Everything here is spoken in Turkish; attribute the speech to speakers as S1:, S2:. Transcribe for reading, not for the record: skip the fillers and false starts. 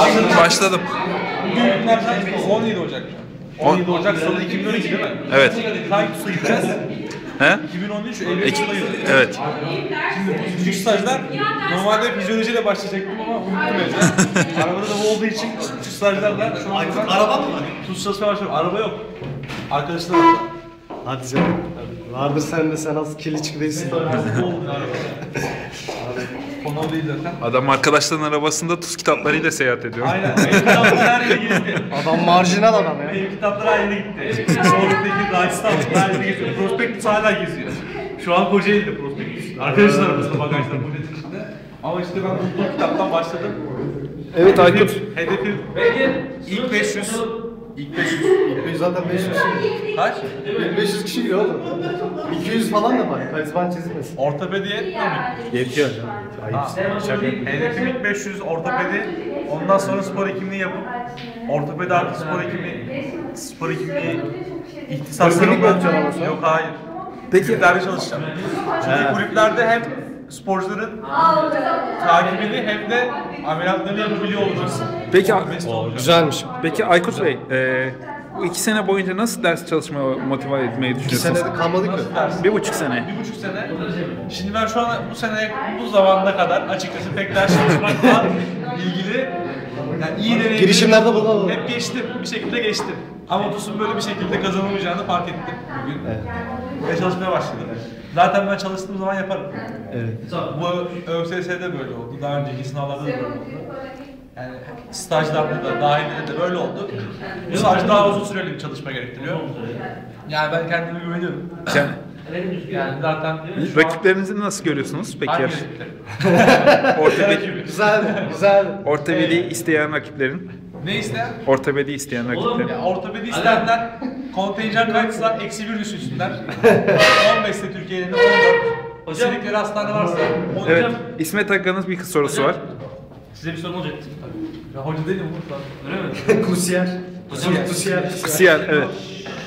S1: Başladım.
S2: Bugün günlerden 17 Ocak. 17 Ocak Salı 2012 değil mi?
S1: Evet.
S2: Hangi TUS'a gideceğiz?
S1: He?
S2: 2013 Eylül ayı.
S1: Evet.
S2: Şimdi bu küçük stajlar normalde fizyolojiyle başlayacaktım ama unuttum evde. Arabada da bu olduğu için küçük stajlarla şu an
S3: Araba mı var?
S2: TUS çalışmaya başlıyorum. Araba yok. Arkadaşlar var.
S3: Hadi canım. Vardır sende, sen az kirli değilsin.
S2: Konu değil zaten.
S1: Adam arkadaşların arabasında tuz kitaplarıyla seyahat ediyor.
S2: Aynen. Benim kitaplar her yere gitti.
S3: Adam marjinal adam ya.
S2: Benim kitaplar her yere gitti. Sonraki Rajasthan'da her yere geziyor. Prospektüs hala geziyor. Şu an Kocaeli'de Prospektüs. Arkadaşlar arasında bagajda poşetin içinde. Ama işte ben bu kitaptan başladım.
S3: Evet Aykut.
S2: Hedefim ilk 500. İlk 500.
S3: İlk zaten 500 kişi.
S2: Kaç?
S3: 500 kişi giriyor oğlum. 200 falan da var. Karizman çizilmesin.
S2: Ortopedi yetmiyor mu?
S3: Yetiyor canım. Ayıp. Şaka.
S2: Hedefim ilk 500 ortopedi. Ondan sonra spor hekimliği yapıp ortopedi artı spor hekimliği ihtisaslarımla
S3: Poliklinik mi yapacaksın ama sen?
S2: yok hayır.
S3: Peki.
S2: Kulüplerde çalışacağım. Çünkü kulüplerde hem sporcuların takibini hem de ameliyatlarını yapabiliyor olacaksın.
S1: Peki,
S3: Güzelmiş.
S1: peki Aykut Bey, bu 2 sene boyunca nasıl ders çalışmaya motive etmeyi
S3: 2
S1: düşünüyorsunuz?
S3: senede kalmadık mı?
S1: 1,5 sene.
S2: 1,5 sene. Şimdi ben şu an bu sene, bu zamana kadar açıkçası pek ders çalışmakla ilgili yani iyi deneyimleri
S3: Girişimlerde bulunalım.
S2: hep geçtim. Bir şekilde geçtim. Ama TUS'un böyle bir şekilde kazanılmayacağını fark ettim bugün. Ve çalışmaya başladım. Zaten ben çalıştığım zaman yaparım.
S3: Evet.
S2: Bu ÖSS'de böyle oldu. Daha önceki sınavlarda da böyle oldu. Yani stajlarda da, dahilinde de böyle oldu. Bu staj daha uzun süreli bir çalışma gerektiriyor. Yani ben kendime güveniyorum.
S1: Yani,
S2: Yani zaten şu an...
S1: rakiplerinizi nasıl görüyorsunuz peki?
S2: Hangi
S1: yarış?
S2: rakipler?
S1: Ortopedi,
S3: Güzel.
S1: ortopedi isteyen rakiplerin.
S2: Ne isteyen?
S1: Ortopedi isteyen rakiplerin.
S2: Ya ortopedi isteyenler kontenjan kaçsa -1 düşünsünler. 15'te Türkiye'nin 14. İstedikleri hastane varsa 13.
S1: Evet, İsmet Hakkı'nın bir sorusu var.
S4: Size bir sorum olacaktı.
S2: Ya hoca değilim burada.
S4: Öyle mi?
S3: Kusiyer. Kusiyer.
S1: Siyah, evet.